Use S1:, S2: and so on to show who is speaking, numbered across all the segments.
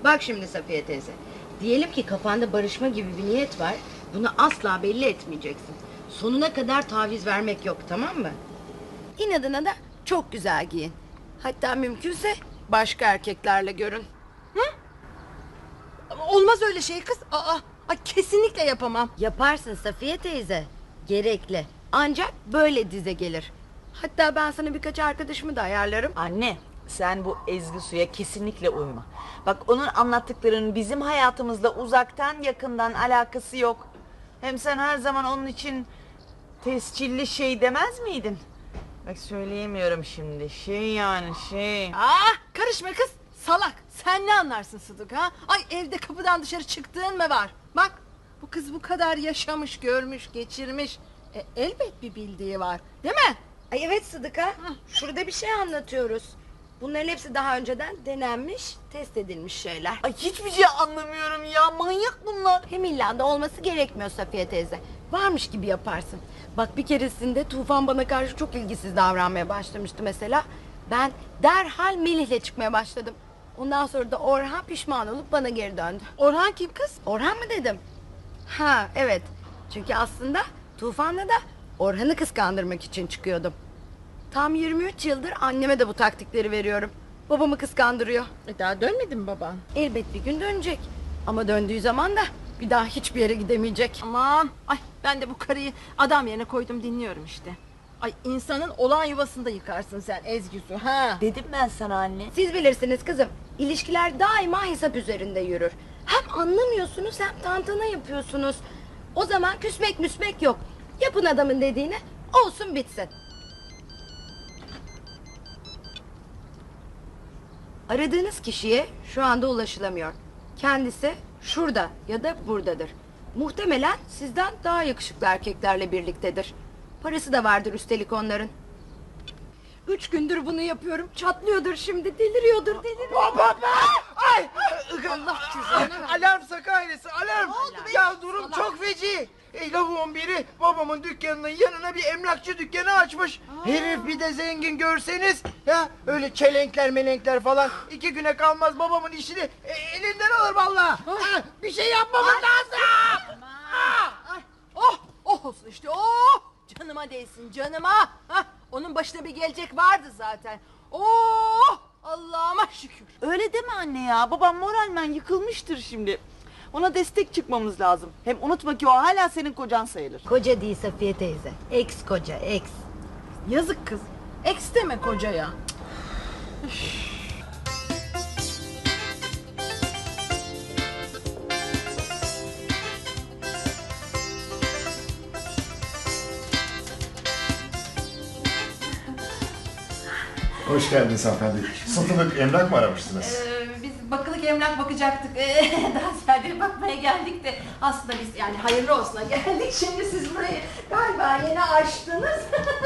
S1: Bak şimdi Safiye teyze. Diyelim ki kafanda barışma gibi bir niyet var. Bunu asla belli etmeyeceksin. Sonuna kadar taviz vermek yok, tamam mı? İnadına da çok güzel giyin. Hatta mümkünse başka erkeklerle görün.
S2: Olmaz öyle şey kız. Ay, kesinlikle yapamam.
S1: Yaparsın Safiye teyze. Gerekli. Ancak böyle dize gelir. Hatta ben sana birkaç arkadaşımı da ayarlarım.
S3: Anne, sen bu Ezgi Su'ya kesinlikle uyma. Bak, onun anlattıklarının bizim hayatımızla uzaktan yakından alakası yok. Hem sen her zaman onun için tescilli şey demez miydin? Bak, söyleyemiyorum şimdi. Şey.
S2: Karışma kız. Salak. Sen ne anlarsın Sıdık ha? Ay, evde kapıdan dışarı çıktığın mı var? Bak, bu kız bu kadar yaşamış, görmüş, geçirmiş. Elbet bir bildiği var. Değil mi?
S1: Ay evet Sıdıka. Şurada bir şey anlatıyoruz. Bunların hepsi daha önceden denenmiş, test edilmiş şeyler.
S3: Ay, hiçbir şey anlamıyorum ya. Manyak bunlar.
S1: Hem illa da olması gerekmiyor Safiye teyze. Varmış gibi yaparsın. Bak, bir keresinde Tufan bana karşı çok ilgisiz davranmaya başlamıştı mesela. Ben derhal Melih'le çıkmaya başladım. Ondan sonra da Orhan pişman olup bana geri döndü.
S2: Orhan kim kız?
S1: Orhan mı dedim? Ha evet. Çünkü aslında Tufan'la da Orhan'ı kıskandırmak için çıkıyordum. Tam 23 yıldır anneme de bu taktikleri veriyorum. Babamı kıskandırıyor.
S2: Daha dönmedi mi baban?
S1: Elbet bir gün dönecek. Ama döndüğü zaman da bir daha hiçbir yere gidemeyecek.
S2: Aman. Ay, ben de bu karıyı adam yerine koydum, dinliyorum işte. Ay, insanın olan yuvasında yıkarsın sen Ezgi Su ha.
S3: Dedim ben sana anne.
S1: Siz bilirsiniz kızım. İlişkiler daima hesap üzerinde yürür. Hem anlamıyorsunuz hem tantana yapıyorsunuz. O zaman küsmek müsmek yok. Yapın adamın dediğini, olsun bitsin. Aradığınız kişiye şu anda ulaşılamıyor. Kendisi şurada ya da buradadır. Muhtemelen sizden daha yakışıklı erkeklerle birliktedir. Parası da vardır üstelik onların. 3 gündür bunu yapıyorum. Çatlıyordur şimdi. Deliriyordur.
S4: Baba! Ay!
S1: Allah cüzdanı ver.
S4: Alarm Saka ailesi, alarm!
S2: oldu be?
S4: Ya durum
S2: Salak.
S4: çok feci. Lavuğun biri babamın dükkanının yanına bir emlakçı dükkanı açmış. Herif bir de zengin görseniz. Ya öyle çelenkler melenkler falan. 2 güne kalmaz babamın işini elinden alır vallahi. Bir şey yapmamız lazım.
S2: Ay, oh olsun işte, oh! Canıma değsin, canıma. Hah, onun başına bir gelecek vardı zaten. Oh! Allah'ıma şükür.
S3: Öyle deme anne ya. Babam moralmen yıkılmıştır şimdi. Ona destek çıkmamız lazım. Hem unutma ki o hala senin kocan sayılır.
S1: Koca değil Safiye teyze. Ex koca, ex.
S2: Yazık kız. Eks deme kocaya.
S5: Hoş geldiniz hanımefendi. Satılık emlak mı aramıştınız?
S2: Biz bakılık emlak bakacaktık. Daha ziyade bakmaya geldik de aslında biz yani hayırlı olsuna geldik. Şimdi siz burayı galiba yeni açtınız.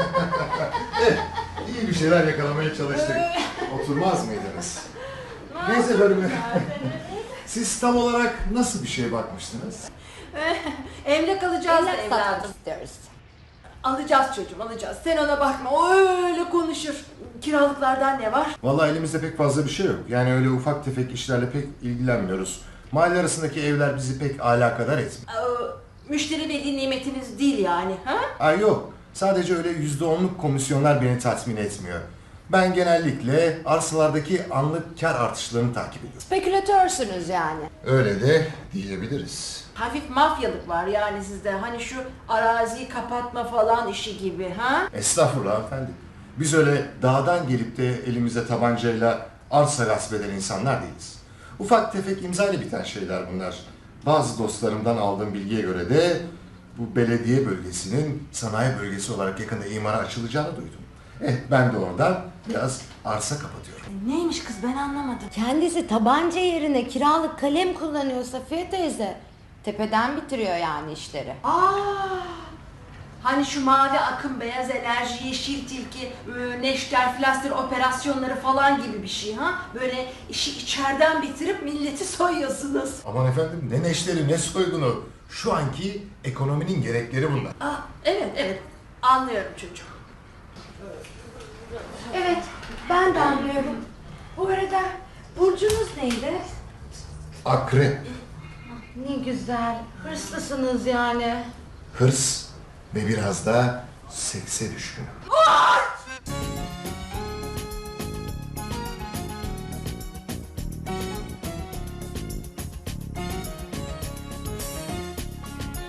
S5: İyi bir şeyler yakalamaya çalıştık. Oturmaz mıydınız? Neyse efendim. Siz tam olarak nasıl bir şeye bakmıştınız?
S2: Emlak alacağız da evladım.
S1: istiyoruz.
S2: Alacağız çocuğum, alacağız. Sen ona bakma, o öyle konuşur. Kiralıklardan ne var?
S5: Vallahi elimizde pek fazla bir şey yok. Yani öyle ufak tefek işlerle pek ilgilenmiyoruz. Mahalle arasındaki evler bizi pek alakadar etmiyor.
S2: Müşteri veli nimetiniz değil yani, ha?
S5: Ay yok. Sadece öyle %10'luk komisyonlar beni tatmin etmiyor. Ben genellikle arsalardaki anlık kar artışlarını takip ediyorum.
S1: Spekülatörsünüz yani.
S5: Öyle de diyebiliriz.
S2: Hafif mafyalık var yani sizde. Hani şu araziyi kapatma falan işi gibi, ha?
S5: Estağfurullah hanımefendi. Biz öyle dağdan gelip de elimizde tabancayla arsa gasp eden insanlar değiliz. Ufak tefek imzayla biten şeyler bunlar. Bazı dostlarımdan aldığım bilgiye göre de bu belediye bölgesinin sanayi bölgesi olarak yakında imara açılacağını duydum. Ben de oradan biraz arsa kapatıyorum.
S2: Neymiş kız, ben anlamadım.
S1: Kendisi tabanca yerine kiralık kalem kullanıyor Safiye teyze. Tepeden bitiriyor yani işleri.
S2: Hani şu mavi akım, beyaz enerji, yeşil tilki, neşter, flaster operasyonları falan gibi bir şey, ha? Böyle işi içeriden bitirip milleti soyuyorsunuz.
S5: Aman efendim, ne neşteri ne soygunu. Şu anki ekonominin gerekleri bunlar.
S2: Evet, anlıyorum çocuğum.
S1: Evet, ben de anlıyorum. Bu arada burcunuz neydi?
S5: Akrep.
S1: Ne güzel. Hırslısınız yani.
S5: Hırs ve biraz da sekse düşkün.
S1: Ay!